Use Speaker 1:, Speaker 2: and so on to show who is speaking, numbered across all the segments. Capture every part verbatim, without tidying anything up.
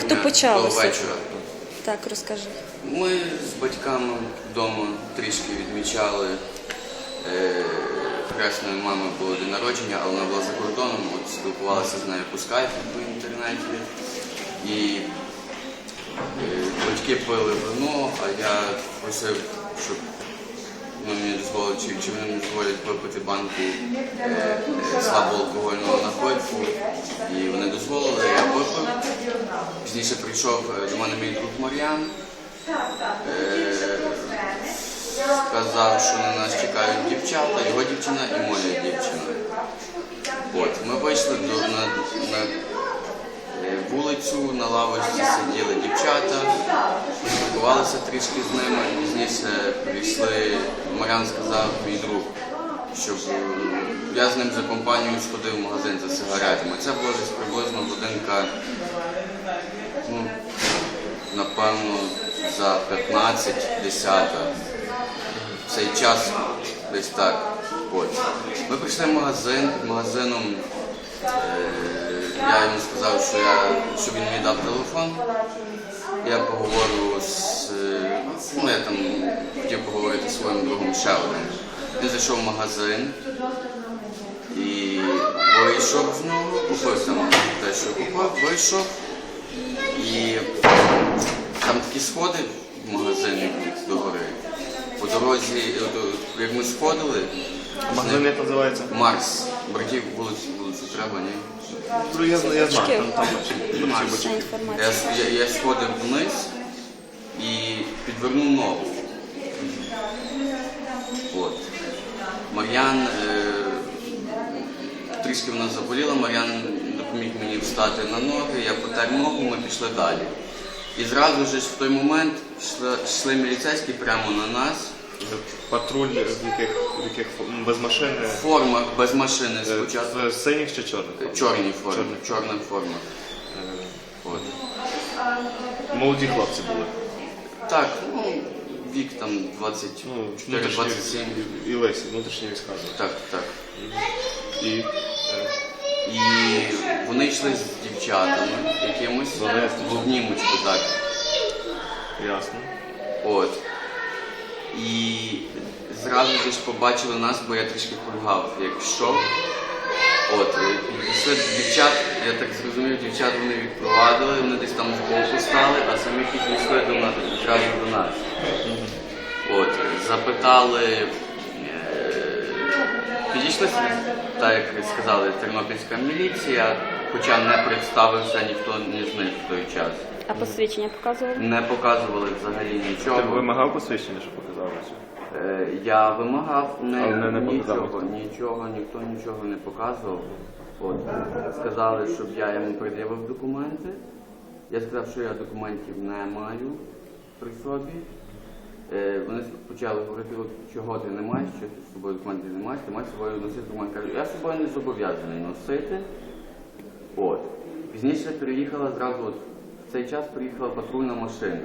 Speaker 1: Як то почалося?
Speaker 2: До вечора.
Speaker 1: Так, розкажи.
Speaker 2: Ми з батьками вдома трішки відмічали. Е, хресної мами було день народження, але вона була за кордоном, от спілкувалася з нею по скайпу по інтернеті. І е, батьки пили вино, а я просив, щоб ну, мені дозволили, чи, чи вони мені дозволять випити банку е, е, слабоалкогольного напитку. І вони дозволили, я випив. Пізніше прийшов до мене мій друг Мар'ян. Е, сказав, що на нас чекають дівчата, його дівчина і моя дівчина. От, ми вийшли до, на, на вулицю, на лавочці сиділи дівчата, спілкувалися трішки з ними, пізніше прийшли, Мар'ян сказав, мій друг, щоб я з ним за компанією сходив в магазин за сигаретами. Це було десь приблизно годинка, ну, напевно, за п'ятнадцять-десята. Цей час десь так. От. Ми прийшли в магазин, магазином е, я йому сказав, що я, щоб він мені дав телефон. Я поговорю з, ну я там хотів поговорити зі своїм другом ще одним. Він зайшов в магазин і вийшов знову, купив там те, що купив, вийшов. І там такі сходи в магазині до гори. По дорозі, як ми сходили,
Speaker 3: магазин як називається?
Speaker 2: Марс. Братів вулицю, вулицю треба, ні?
Speaker 3: Ну, я, я знаю, там, там
Speaker 2: Марс. Я, я, я сходив вниз і підвернув ногу. От. Мар'ян, е, трішки вона заболіла, Мар'ян допоміг мені встати на ноги, я потер ногу, ми пішли далі. І зразу ж в той момент йшли, йшли міліцейські прямо на нас.
Speaker 3: Патруль в яких, в яких без машини?
Speaker 2: В формах, без машини спочатку.
Speaker 3: В синіх чи чорних?
Speaker 2: Чорні форми, чорна форма. От.
Speaker 3: Молоді хлопці були?
Speaker 2: Так, ну, вік там двадцять чотири двадцять сім.
Speaker 3: І Лесі, внутрішні війська.
Speaker 2: Так, так.
Speaker 3: І, е...
Speaker 2: І вони йшли з дівчатами якимось в обнімочку, так.
Speaker 3: Ясно.
Speaker 2: От. І зразу ж побачили нас, бо я трішки кульгав, як йшов. От, пішли дівчат, я так зрозумів, дівчат вони відпровадили, вони десь там збоку стали, а самі підійшли до нас, одразу до нас. От, запитали, е, підійшли, так як сказали, тернопільська міліція, хоча не представився ніхто з них в той час.
Speaker 1: А посвідчення показували?
Speaker 2: Не показували взагалі нічого.
Speaker 3: Ти вимагав посвідчення, що показалося?
Speaker 2: Е, я вимагав, не,
Speaker 3: не, не
Speaker 2: нічого, нічого, ніхто нічого не показував. От, сказали, щоб я йому пред'явив документи. Я сказав, що я документів не маю при собі. Е, вони почали говорити, чого ти не маєш, що ти з собою документів не маєш, ти маєш з собою носити документи. Кажу, я з собою не зобов'язаний носити. От. Пізніше приїхала зразу, от, в цей час приїхала патрульна машина.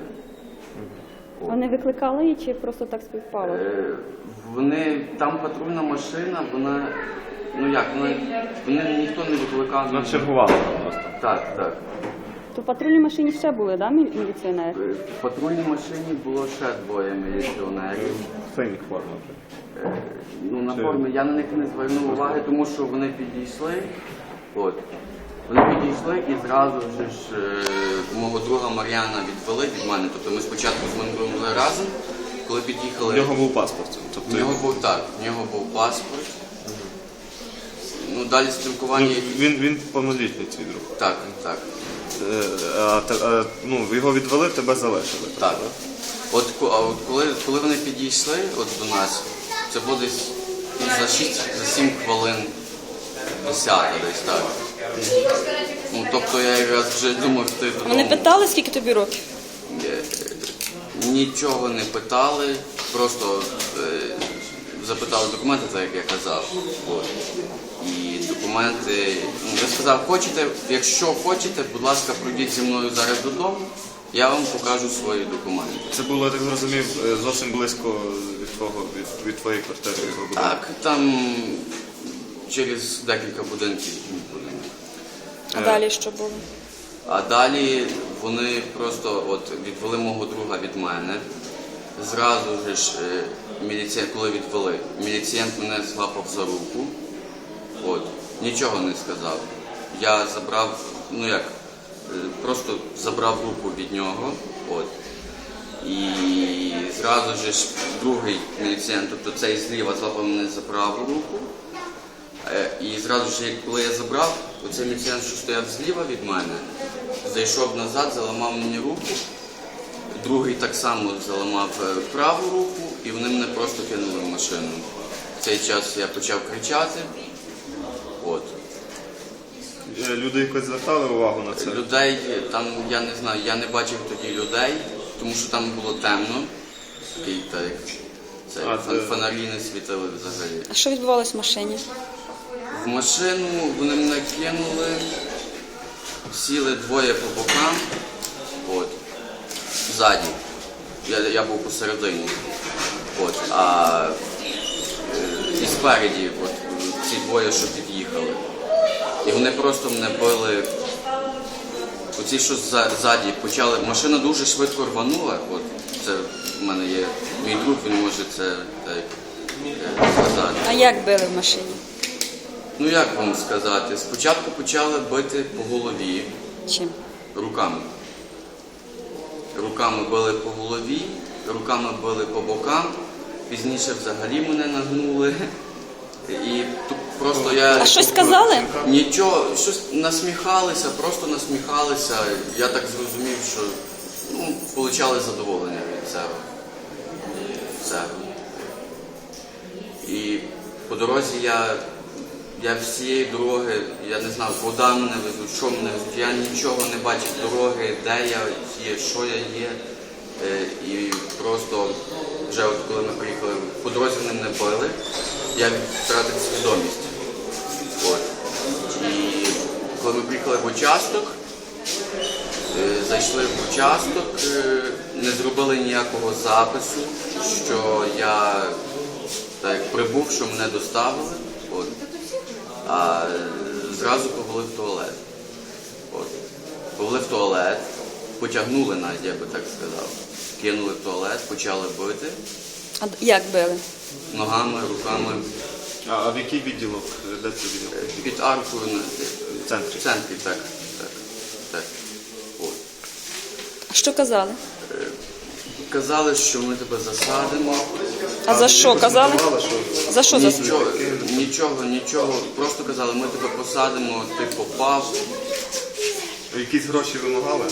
Speaker 2: От.
Speaker 1: Вони викликали її чи просто так співпало?
Speaker 2: Е, вони, там патрульна машина, вона, ну як, вона, вони ніхто не викликав.
Speaker 3: Вона чергувала там просто.
Speaker 2: Так, так.
Speaker 1: То в патрульній машині ще були, так, мілі- міліціонери?
Speaker 2: Е, В патрульній машині було ще двоє міліціонерів.
Speaker 3: В синіх формах вже.
Speaker 2: Е, ну, на формі я на них не звернув уваги, тому що вони підійшли. От. Вони підійшли і зразу ж е, мого друга Мар'яна відвели від мене. Тобто ми спочатку з моїм другом були разом, коли під'їхали.
Speaker 3: У нього був паспорт. Тобто...
Speaker 2: У нього був так, у нього був паспорт. Ну, далі спілкування.
Speaker 3: Ну, він, він повнолітній твій друг.
Speaker 2: Так, так.
Speaker 3: Е, а, та- а, ну, його відвели, тебе залишили.
Speaker 2: Так. От, ко- а от коли, коли вони підійшли от до нас, це було десь за шість-сім хвилин десята десь так. Ну, тобто я якраз вже думав, що ти
Speaker 1: Вони питали, скільки тобі років?
Speaker 2: Нічого не питали, просто е, запитали документи, так як я казав. От. І документи, ну, я сказав, хочете, якщо хочете, будь ласка, пройдіть зі мною зараз додому, я вам покажу свої документи.
Speaker 3: Це було, я так зрозумів, зовсім близько від твого, від, від твоєї квартири. від твого будинку.
Speaker 2: Так, там через декілька будинків.
Speaker 1: А далі що було?
Speaker 2: А далі вони просто от відвели мого друга від мене. Зразу ж, е, міліціян, коли відвели, міліціянт мене злапав за руку. От, нічого не сказав. Я забрав, ну як, е, просто забрав руку від нього. От. І зразу ж другий міліціянт, тобто цей зліва, злапав мене за праву руку. Е, І зразу ж, коли я забрав, оцей міліціянт, що стояв зліва від мене, зайшов назад, заламав мені руку. Другий так само заламав е, праву руку, і вони мене просто кинули в машину. В цей час я почав кричати. От.
Speaker 3: Е, Люди якось звертали увагу на це?
Speaker 2: Людей там, я не знаю, я не бачив тоді людей, тому що там було темно. Такий, так, це,
Speaker 3: А,
Speaker 2: фон-
Speaker 3: це-
Speaker 2: фонарі не світили взагалі.
Speaker 1: А що відбувалось в машині?
Speaker 2: В машину вони мене кинули, сіли двоє по бокам, от, ззаді. Я, я був посередині. От, а е, і спереді от, ці двоє, що під'їхали. І вони просто мене били. Оці, що зза- ззаді почали. Машина дуже швидко рванула. От, це в мене є мій друг, він може це так, е, сказати.
Speaker 1: А як били в машині?
Speaker 2: Ну як вам сказати? Спочатку почали бити по голові
Speaker 1: Чим?
Speaker 2: руками. Руками били по голові, руками били по бокам, пізніше взагалі мене нагнули. І тут просто я...
Speaker 1: А щось сказали?
Speaker 2: Нічого, щось насміхалися, просто насміхалися. Я так зрозумів, що ну, получали задоволення від цього. Цього. І по дорозі я, я всієї дороги, я не знав, куди мене везуть, що мене везуть. Я нічого не бачив дороги, де я є, що я є. Е, І просто вже от коли ми приїхали, по дорозі вони мене били, я втратив свідомість. От. І коли ми приїхали в участок, е, зайшли в участок, е, не зробили ніякого запису, що я так, прибув, що мене доставили, от. А е, зразу повели в туалет. От. Повели в туалет, потягнули навіть, я би так сказав. Кинули в туалет, почали бити
Speaker 1: А як били?
Speaker 2: ногами, руками.
Speaker 3: А, а в який відділок? Де це відділок?
Speaker 2: Під аркою на
Speaker 3: В центрі?
Speaker 2: в центрі, так. так, так. От.
Speaker 1: А що казали?
Speaker 2: Казали, що ми тебе засадимо.
Speaker 1: А за що казали?
Speaker 3: Казали, що
Speaker 1: За що засудили?
Speaker 2: Нічого, нічого, нічого. Просто казали, ми тебе посадимо, ти попав.
Speaker 3: якісь гроші вимагали?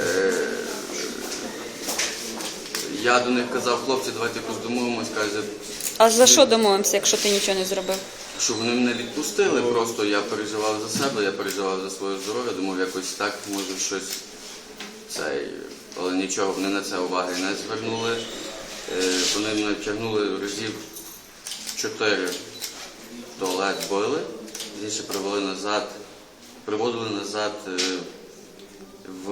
Speaker 2: Я до них казав, хлопці, давайте якось домовимось, каже,
Speaker 1: А за що домовимося, якщо ти нічого не зробив?
Speaker 2: що вони мене відпустили, просто я переживав за себе, я переживав за своє здоров'я, думав, якось так, може щось цей, але нічого, вони на це уваги не звернули. Е, Вони мене тягнули разів чотири в туалет били, пізніше привели назад, приводили назад е, в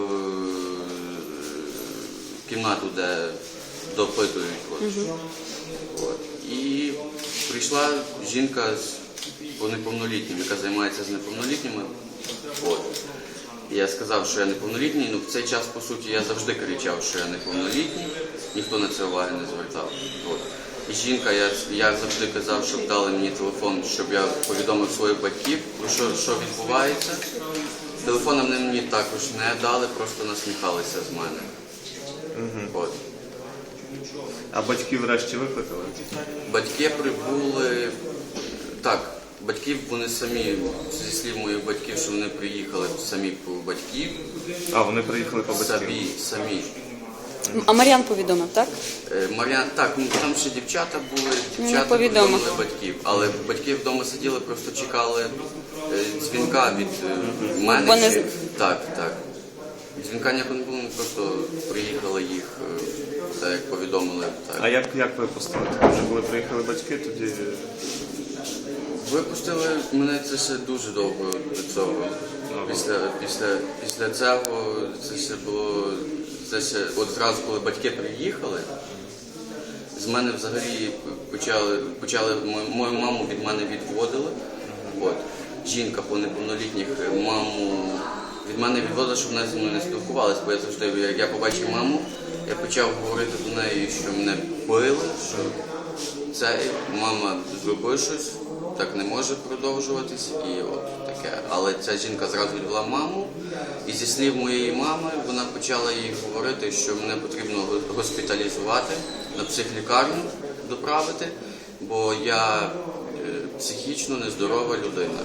Speaker 2: кімнату, де допитують. От. От. І прийшла жінка з по неповнолітнім, яка займається з неповнолітніми. От. І я сказав, що я неповнолітній, ну в цей час, по суті, я завжди кричав, що я неповнолітній, ніхто на це уваги не звертав. От. І жінка, я, я завжди казав, щоб дали мені телефон, щоб я повідомив своїх батьків, про що, що відбувається. Телефон вони мені також не дали, просто насміхалися з мене. От.
Speaker 3: А батьків врешті викликали?
Speaker 2: Батьки прибули, так, батьків вони самі, зі слів моїх батьків, що вони приїхали самі по батьків,
Speaker 3: А, вони приїхали по батьків?
Speaker 2: самі, самі.
Speaker 1: А Мар'ян повідомив, так?
Speaker 2: Е, Мар'ян, так, ну там ще дівчата були,
Speaker 1: Ну,
Speaker 2: дівчата
Speaker 1: повідомив.
Speaker 2: повідомили батьків, але батьки вдома сиділи, просто чекали е, дзвінка від е, мене.
Speaker 1: Вони
Speaker 2: чи-
Speaker 1: з-
Speaker 2: Так, так. Дзвінка ніякого не було, ми просто приїхали їх, е, так як повідомили. Так.
Speaker 3: А як, як випустили? Тоді вже коли приїхали батьки, тоді...
Speaker 2: Випустили мене це ще дуже довго до цього. Після, після, після цього це ще було, це ще, от зразу, коли батьки приїхали, з мене взагалі почали, почали мою, мою маму від мене відводили. От. Жінка по неповнолітніх маму від мене відводили, щоб вона зі мною не спілкувалася, бо я завжди, як я побачив маму, я почав говорити до неї, що мене били, що це мама зробила щось, так не може продовжуватись, і от таке. Але ця жінка зразу відвела маму, і зі слів моєї мами вона почала їй говорити, що мене потрібно госпіталізувати, на психлікарню доправити, бо я е, психічно нездорова людина.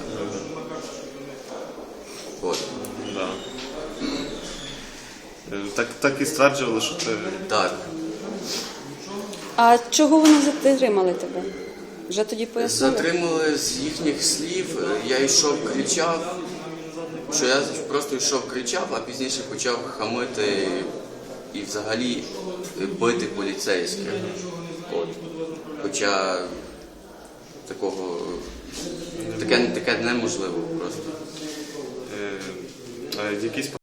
Speaker 2: От.
Speaker 3: Да. Е, Так, так і стверджували, що ти...
Speaker 2: Так.
Speaker 1: А чого вони затримали тебе? Вже тоді пояснили?
Speaker 2: Затримали з їхніх слів, я йшов, кричав, що я просто йшов, кричав, а пізніше почав хамити і взагалі бити поліцейських. От. Хоча такого, таке, таке неможливо просто.
Speaker 3: Е, е, якісь